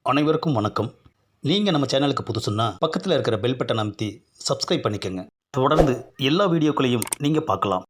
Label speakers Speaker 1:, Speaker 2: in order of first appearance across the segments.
Speaker 1: அனைவருக்கும் வணக்கம். நீங்கள் நம்ம சேனலுக்கு புதுசுன்னா பக்கத்தில் இருக்கிற பெல் பட்டன் அமைத்தி சப்ஸ்கிரைப் பண்ணிக்கோங்க. தொடர்ந்து எல்லா வீடியோக்களையும் நீங்கள் பார்க்கலாம்.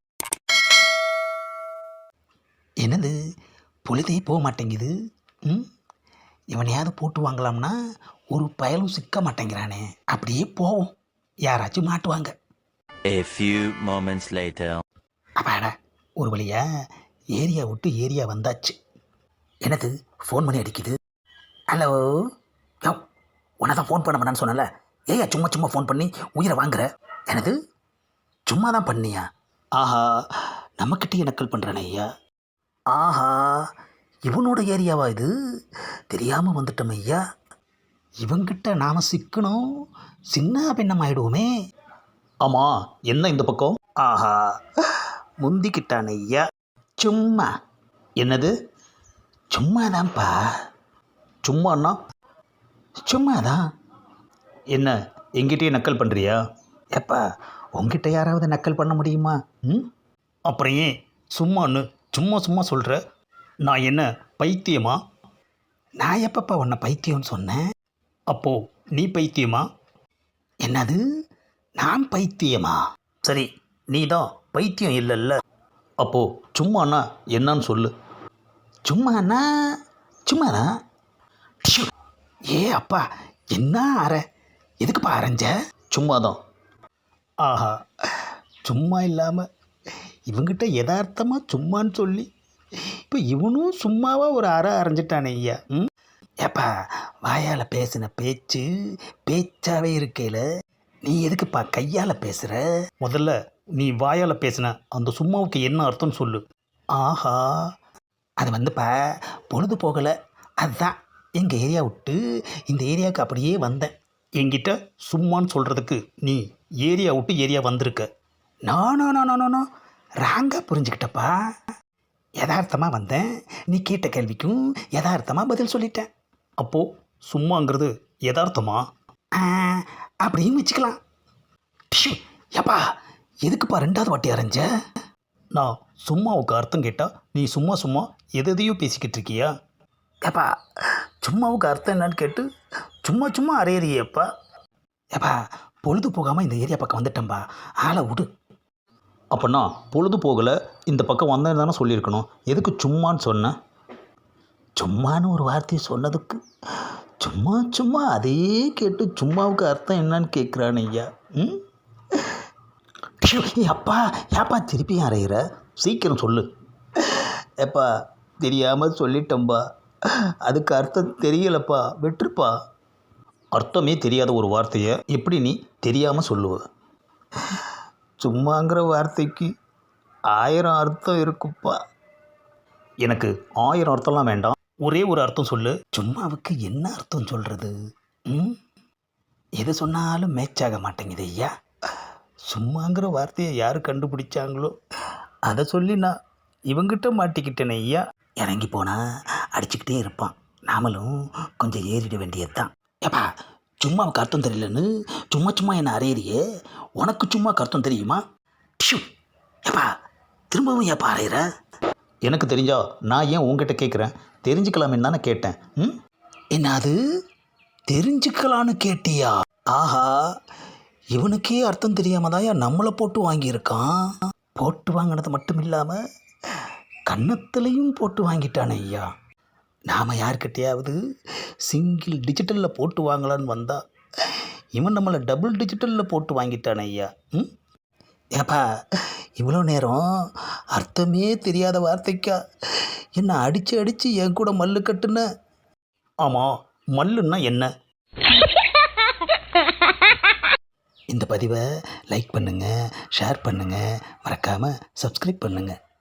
Speaker 2: என்னது பொழுதே போக மாட்டேங்குது. ம் இவனையாவது போட்டு வாங்கலாம்னா ஒரு பயலும் சிக்க மாட்டேங்கிறானே. அப்படியே போவோம், யாராச்சும் மாட்டுவாங்க.
Speaker 3: A few moments later.
Speaker 2: அப்பாடா, ஒரு வழியா ஏரியா விட்டு ஏரியா வந்தாச்சு. என்னது ஃபோன் பண்ணி அடிக்குது. ஹலோ, யோ உன்னை தான் ஃபோன் பண்ண வேணான்னு சொன்னல, ஏயா சும்மா சும்மா ஃபோன் பண்ணி உயிரை வாங்குற? என்னது சும்மா தான் பண்ணியா? ஆஹா, நம்மக்கிட்டே நக்கல் பண்ணுறானே ஐயா. ஆஹா, இவனோட ஏரியாவா இது? தெரியாமல் வந்துட்டோம் ஐயா. இவங்கிட்ட நாம் சிக்கணும், சின்ன பின்னம் ஆயிடுவோமே.
Speaker 1: ஆமாம், என்ன இந்த பக்கம்?
Speaker 2: ஆஹா, முந்திக்கிட்டான் ஐயா. சும்மா.
Speaker 1: என்னது
Speaker 2: சும்மாதான்ப்பா.
Speaker 1: சும்மாண்ணா?
Speaker 2: சும்மாதான்.
Speaker 1: என்ன எங்கிட்டயே நக்கல் பண்ணுறியா?
Speaker 2: எப்பா, உங்ககிட்ட யாராவது நக்கல் பண்ண முடியுமா? ம்
Speaker 1: அப்புறம் ஏன் சும்மான்னு சும்மா சும்மா சொல்கிற? நான் என்ன பைத்தியமா?
Speaker 2: நான் எப்பப்பா உன்னை பைத்தியம்னு சொன்னேன்?
Speaker 1: அப்போது நீ பைத்தியமா?
Speaker 2: என்னது, நான் பைத்தியமா?
Speaker 1: சரி, நீ தான் பைத்தியம் இல்லைல்ல. அப்போது சும்மாண்ணா என்னன்னு சொல்லு.
Speaker 2: சும்மாண்ணா சும்மாதான். ஷு, ஏ அப்பா, என்ன அற? எதுக்குப்பா அரைஞ்ச?
Speaker 1: சும்மா தான்.
Speaker 2: ஆஹா, சும்மா இல்லாமல் இவங்கிட்ட யதார்த்தமாக சும்மான்னு சொல்லி இப்போ இவனும் சும்மாவாக ஒரு அரை அரைஞ்சிட்டானே ஐயா. ம் ஏப்பா, வாயால் பேசின பேச்சு பேச்சாவே இருக்கையில் நீ எதுக்குப்பா கையால் பேசுகிற?
Speaker 1: முதல்ல நீ வாயால் பேசின அந்த சும்மாவுக்கு என்ன அர்த்தம்னு சொல்லு.
Speaker 2: ஆஹா, அது வந்துப்பா பொழுது போகலை, அதுதான் எங்கள் ஏரியா விட்டு இந்த ஏரியாவுக்கு அப்படியே வந்தேன்.
Speaker 1: என்கிட்ட சும்மான்னு சொல்கிறதுக்கு நீ ஏரியா விட்டு ஏரியா வந்திருக்க.
Speaker 2: நானோ ராங்காக புரிஞ்சுக்கிட்டப்பா. யதார்த்தமாக வந்தேன், நீ கேட்ட கேள்விக்கும் யதார்த்தமாக பதில் சொல்லிட்டேன்.
Speaker 1: அப்போது சும்மாங்கிறது யதார்த்தமா?
Speaker 2: அப்படின்னு வச்சுக்கலாம். டிஷு, ஏப்பா எதுக்குப்பா ரெண்டாவது வாட்டி அரைஞ்ச?
Speaker 1: நான் சும்மாவுக்கு அர்த்தம் கேட்டால் நீ சும்மா சும்மா எதையோ பேசிக்கிட்டு இருக்கியா?
Speaker 2: ஏப்பா, சும்மாவுக்கு அர்த்தம் என்னன்னு கேட்டு சும்மா சும்மா அரையறியப்பா. ஏப்பா, பொழுது போகாமல் இந்த ஏரியா பக்கம் வந்துட்டேன்பா, ஆளை விடு.
Speaker 1: அப்போனா பொழுது போகலை, இந்த பக்கம் வந்தேன்னு தானே சொல்லியிருக்கணும். எதுக்கு சும்மான்னு சொன்னேன்?
Speaker 2: சும்மான்னு ஒரு வார்த்தையை சொன்னதுக்கு சும்மா சும்மா அதையே கேட்டு சும்மாவுக்கு அர்த்தம் என்னன்னு கேட்குறான் ஐயா. ம் அப்பா, ஏப்பா திருப்பியும் அறையிற?
Speaker 1: சீக்கிரம் சொல்லு.
Speaker 2: ஏப்பா, தெரியாமல் சொல்லிட்டோம்பா, அதுக்கு அர்த்தம் தெரியலப்பா, விட்டுருப்பா.
Speaker 1: அர்த்தமே தெரியாத ஒரு வார்த்தையை எப்படி நீ தெரியாமல் சொல்லுவ?
Speaker 2: சும்மாங்கிற வார்த்தைக்கு 1000 அர்த்தம் இருக்குப்பா.
Speaker 1: எனக்கு 1000 அர்த்தம்லாம் வேண்டாம், ஒரே ஒரு அர்த்தம் சொல்லு.
Speaker 2: சும்மாவுக்கு என்ன அர்த்தம் சொல்கிறது? ம் எது சொன்னாலும் மேட்சாக மாட்டேங்குது ஐயா. சும்மாங்கிற வார்த்தையை யார் கண்டுபிடிச்சாங்களோ அதை சொல்லி நான் இவங்கிட்ட மாட்டிக்கிட்டேனே ஐயா. இறங்கி போனால் அடிச்சுக்கிட்டே இருப்பான், நாமளும் கொஞ்சம் ஏறிட வேண்டியது தான். ஏப்பா, சும்மாவுக்கு அர்த்தம் தெரியலன்னு சும்மா சும்மா என்ன அறையிறியே, உனக்கு சும்மாவுக்கு அர்த்தம் தெரியுமா? டிஷு, ஏப்பா திரும்பவும் ஏப்பா அறையிற?
Speaker 1: எனக்கு தெரிஞ்சா நான் ஏன் உங்ககிட்ட கேட்குறேன்? தெரிஞ்சுக்கலாமேன்னு தானே கேட்டேன். ம்
Speaker 2: என்னது தெரிஞ்சுக்கலான்னு கேட்டியா? ஆஹா, இவனுக்கே அர்த்தம் தெரியாமல் தான் நம்மளை போட்டு வாங்கியிருக்கான். போட்டு வாங்கினது மட்டும் இல்லாமல் கன்னத்துலேயும் போட்டு வாங்கிட்டானே ஐயா. நாம் யார்கிட்டையாவது சிங்கிள் டிஜிட்டலில் போட்டு வாங்கலான்னு வந்தால் இவன் நம்மளை டபுள் டிஜிட்டலில் போட்டு வாங்கிட்டானே ஐயா. ம் ஏப்பா, இவ்வளோ நேரம் அர்த்தமே தெரியாத வார்த்தைக்கா என்னை அடித்து அடித்து என் கூட மல்லு கட்டுன?
Speaker 1: ஆமாம், மல்லுன்னா என்ன?
Speaker 2: இந்த பதிவை லைக் பண்ணுங்கள், ஷேர் பண்ணுங்கள், மறக்காமல் சப்ஸ்கிரைப் பண்ணுங்கள்.